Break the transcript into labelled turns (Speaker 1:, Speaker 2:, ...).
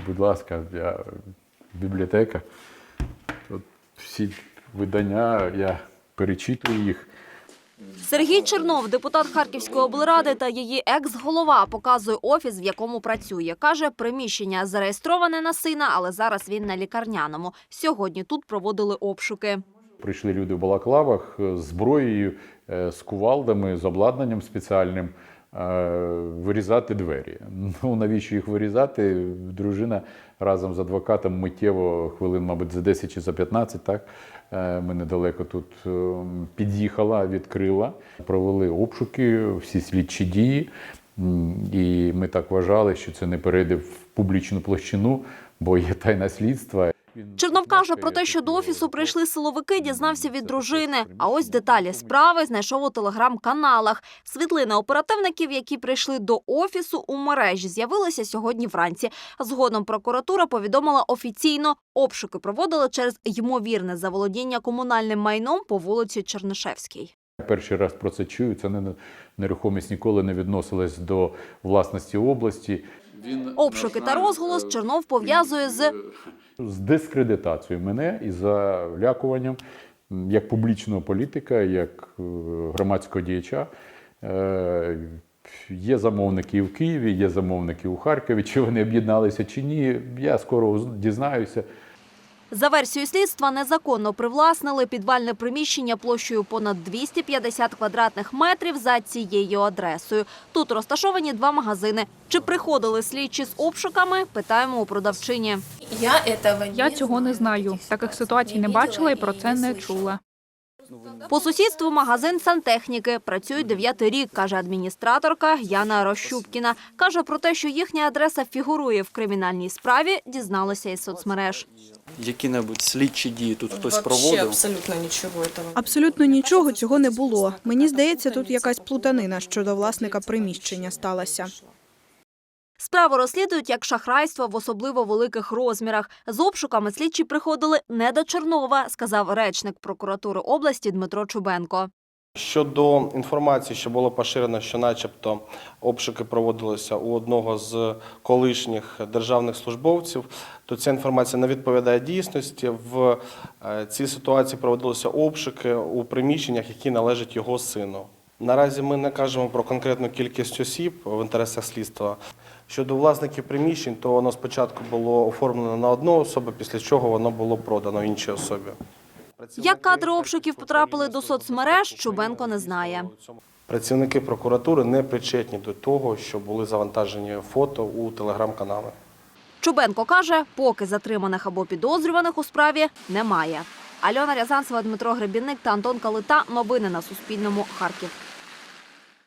Speaker 1: будь ласка, бібліотека. Тут всі видання, я перечитую їх.
Speaker 2: Сергій Чернов, депутат Харківської облради та її екс-голова, показує офіс, в якому працює. Каже, приміщення зареєстроване на сина, але зараз він на лікарняному. Сьогодні тут проводили обшуки.
Speaker 1: Прийшли люди в балаклавах з зброєю, з кувалдами, з обладнанням спеціальним вирізати двері. Ну, навіщо їх вирізати? Дружина разом з адвокатом миттєво, хвилин, мабуть, за 10 чи за 15, так, ми недалеко тут під'їхала, відкрила. Провели обшуки, всі слідчі дії. І ми так вважали, що це не перейде в публічну площину, бо є тайна слідства.
Speaker 2: Чернов каже про те, що до офісу прийшли силовики, дізнався від дружини. А ось деталі справи знайшов у телеграм-каналах. Світлини оперативників, які прийшли до офісу, у мережі з'явилися сьогодні вранці. Згодом прокуратура повідомила офіційно, обшуки проводили через ймовірне заволодіння комунальним майном по вулиці Чернишевській.
Speaker 1: Перший раз про це чую, це нерухомість ніколи не відносилась до власності області.
Speaker 2: Обшуки та розголос Чернов пов'язує з
Speaker 1: дискредитацією мене і залякуванням як публічного політика, як громадського діяча. Є замовники в Києві, є замовники у Харкові. Чи вони об'єдналися, чи ні, я скоро дізнаюся.
Speaker 2: За версією слідства, незаконно привласнили підвальне приміщення площею понад 250 квадратних метрів за цією адресою. Тут розташовані 2 магазини. Чи приходили слідчі з обшуками, питаємо у продавчині.
Speaker 3: Я цього не знаю. Таких ситуацій не бачила і про це не чула.
Speaker 2: По сусідству магазин сантехніки. Працюють 9-й рік, каже адміністраторка Яна Рощупкіна. Каже про те, що їхня адреса фігурує в кримінальній справі, дізналася із соцмереж.
Speaker 4: Які-небудь слідчі дії тут хтось проводив?
Speaker 5: Абсолютно нічого цього не було. Мені здається, тут якась плутанина щодо власника приміщення сталася.
Speaker 2: Справу розслідують як шахрайство в особливо великих розмірах. З обшуками слідчі приходили не до Чернова, сказав речник прокуратури області Дмитро Чубенко.
Speaker 6: Щодо інформації, що було поширено, що начебто обшуки проводилися у одного з колишніх державних службовців, то ця інформація не відповідає дійсності. В цій ситуації проводилися обшуки у приміщеннях, які належать його сину. Наразі ми не кажемо про конкретну кількість осіб в інтересах слідства. Щодо власників приміщень, то воно спочатку було оформлено на одну особу, після чого воно було продано іншій особі.
Speaker 2: Як кадри обшуків потрапили до соцмереж, Чубенко не знає.
Speaker 6: Працівники прокуратури не причетні до того, що були завантажені фото у телеграм-канали.
Speaker 2: Чубенко каже, поки затриманих або підозрюваних у справі немає. Альона Рязанцева, Дмитро Гребінник та Антон Калита. Новини на Суспільному. Харків.